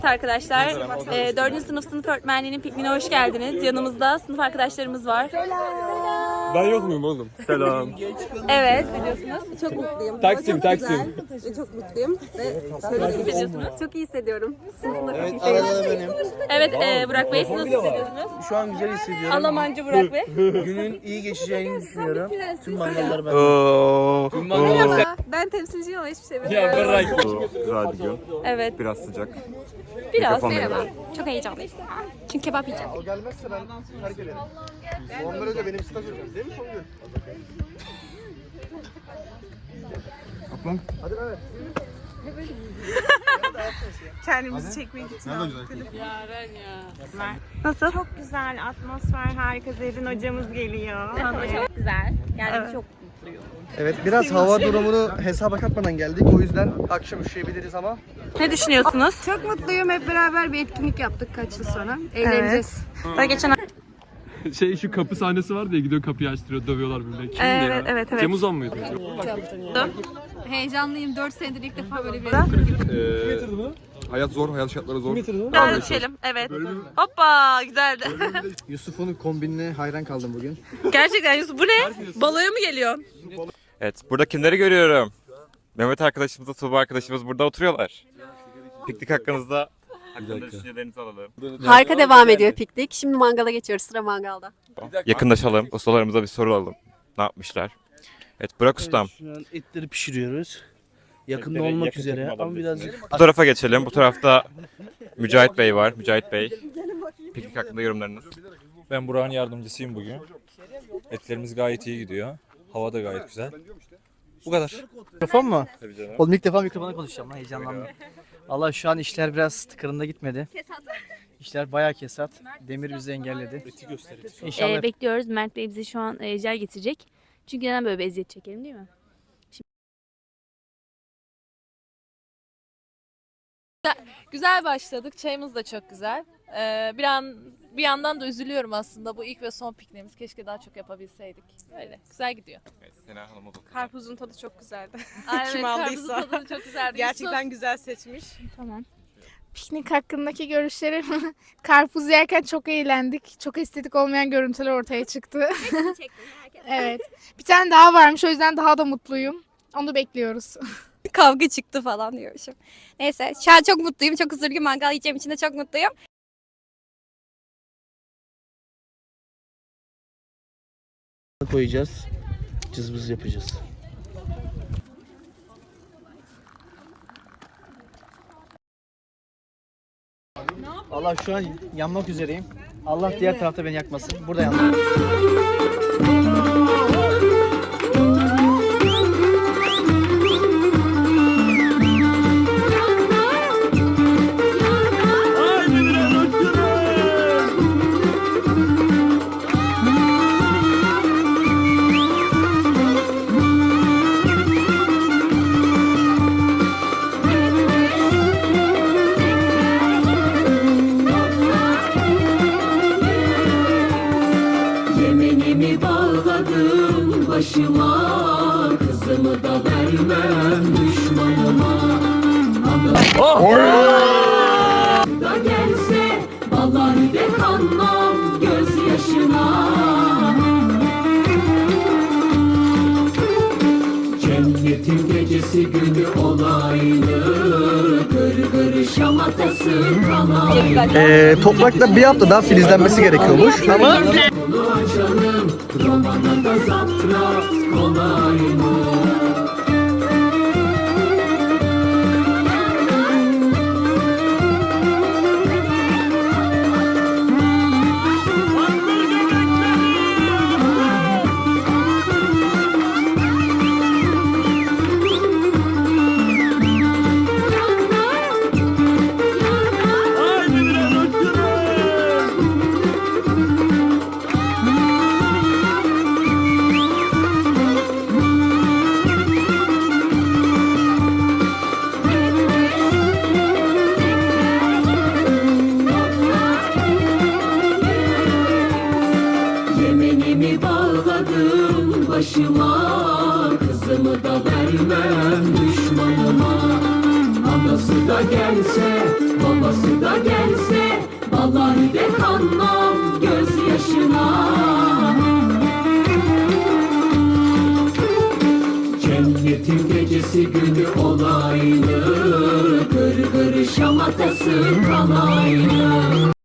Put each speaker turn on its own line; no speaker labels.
Arkadaşlar, 4. sınıf öğretmenliğinin pikniğine hoş geldiniz. Yanımızda sınıf arkadaşlarımız var. Selam.
Ben yok muyum oğlum? Selam.
Evet, biliyorsunuz.
Çok mutluyum.
Taksim.
Ve çok mutluyum.
Nasıl hissediyorsunuz?
Çok iyi hissediyorum. Sınıfımda çok iyi
Evet, arada benim.
Evet, Burak Bey, siz nasıl hissediyorsunuz?
Şu an güzel hissediyorum.
Almancı Burak Bey.
Günün iyi geçeceğini düşünüyorum. Tüm mangalları ben.
Merhaba. Ben temsilciyim ama hiçbir şey bilmiyorum.
Güzel bir gün.
Evet,
Biraz sıcak.
biraz.
Merhaba.
Çok heyecanlıyım. Çünkü kebap yiyeceğim.
O gelmezse ben terk ederim. Ondan önce benim staj hocam değil mi Songül? Hadi Mehmet.
Kendimizi çekmek için.
Nasıl?
Çok güzel, atmosfer harika. Zerrin hocamız geliyor.
Çok güzel. Yani çok
Evet, biraz hava durumunu hesaba katmadan geldik. O yüzden akşam üşüyebiliriz ama.
Ne düşünüyorsunuz?
Çok mutluyum. Hep beraber bir etkinlik yaptık kaç yıl sonra. Eğleneceğiz.
Daha geçen
Şu kapı sahnesi var diye gidiyor kapıyı açtırıyor, dövüyorlar birbirine. Kimdi
Evet,
ya?
evet.
Cem Uzan mıydı?
Heyecanlıyım. 4 senedir ilk defa böyle bir
Hayat zor, hayat şartları zor.
daha düşelim. Evet. Hoppa, güzeldi.
Yusuf'un kombinine hayran kaldım bugün.
Gerçekten Yusuf, bu ne? Baloya mı geliyorsun?
Evet, burada kimleri görüyorum? Mehmet arkadaşımızla Tuğba arkadaşımız burada oturuyorlar. Piknik hakkında düşüncelerinizi alalım.
Harika devam ediyor piknik. Şimdi mangala geçiyoruz. Sıra mangalda.
Yakınlaşalım, ustalarımıza bir soralım. Ne yapmışlar? Evet, Burak Ustam.
Şu an etleri pişiriyoruz. Yakında olmak üzere ama birazcık.
Bu tarafa geçelim. Bu tarafta Mücahit Bey var. Mücahit Bey. Piknik hakkında yorumlarınız.
Ben Burak'ın yardımcısıyım bugün. Etlerimiz gayet iyi gidiyor. Hava da gayet güzel. Bu kadar.
Mikrofon mu?
Tabii canım.
Oğlum ilk defa mikrofona konuşacağım lan, heyecanlandım. Allah şu an işler biraz tıkırında gitmedi. İşler bayağı kesat. Demir bizi engelledi. İnşallah
Bekliyoruz. Mert Bey bize şu an jel getirecek. Çünkü neden böyle bir eziyet çekelim, değil mi?
Güzel başladık. Çayımız da çok güzel. Bir yandan da üzülüyorum aslında. Bu ilk ve son pikniğimiz. Keşke daha çok yapabilseydik. Öyle. Güzel gidiyor.
Evet, Sena Hanım'a bakalım.
Karpuzun tadı çok güzeldi.
Kim
aldıysa.
Karpuzun tadı çok güzeldi.
Gerçekten güzel seçmiş.
Tamam.
Piknik hakkındaki görüşlerim karpuz yerken çok eğlendik. Çok estetik olmayan görüntüler ortaya çıktı. Evet. Bir tane daha varmış, o yüzden daha da mutluyum. Onu bekliyoruz.
Kavga çıktı falan diyormuşum. Neyse şu an çok mutluyum. Çok huzurlu mangal yiyeceğim için de çok mutluyum.
koyacağız. Cızbız yapacağız. Allah şu an yanmak üzereyim. Allah diğer tarafta beni yakmasın. Burada yandım.
Başıma kızımı da vermem düşmanıma. Da gelse vallahi de kanmam gözyaşına. Cennetin gecesi günü olaylı, gır gır şamatası kalaylı.
Toprakta bir hafta daha filizlenmesi gerekiyormuş ama
Canım romana da zaptras kolay mı? Başıma kızımı da vermem düşmanıma. Anası da gelse babası da gelse vallahi de kanmam gözyaşına. Cennetin gecesi günü olaylı, gır gır şamatası kalaylı.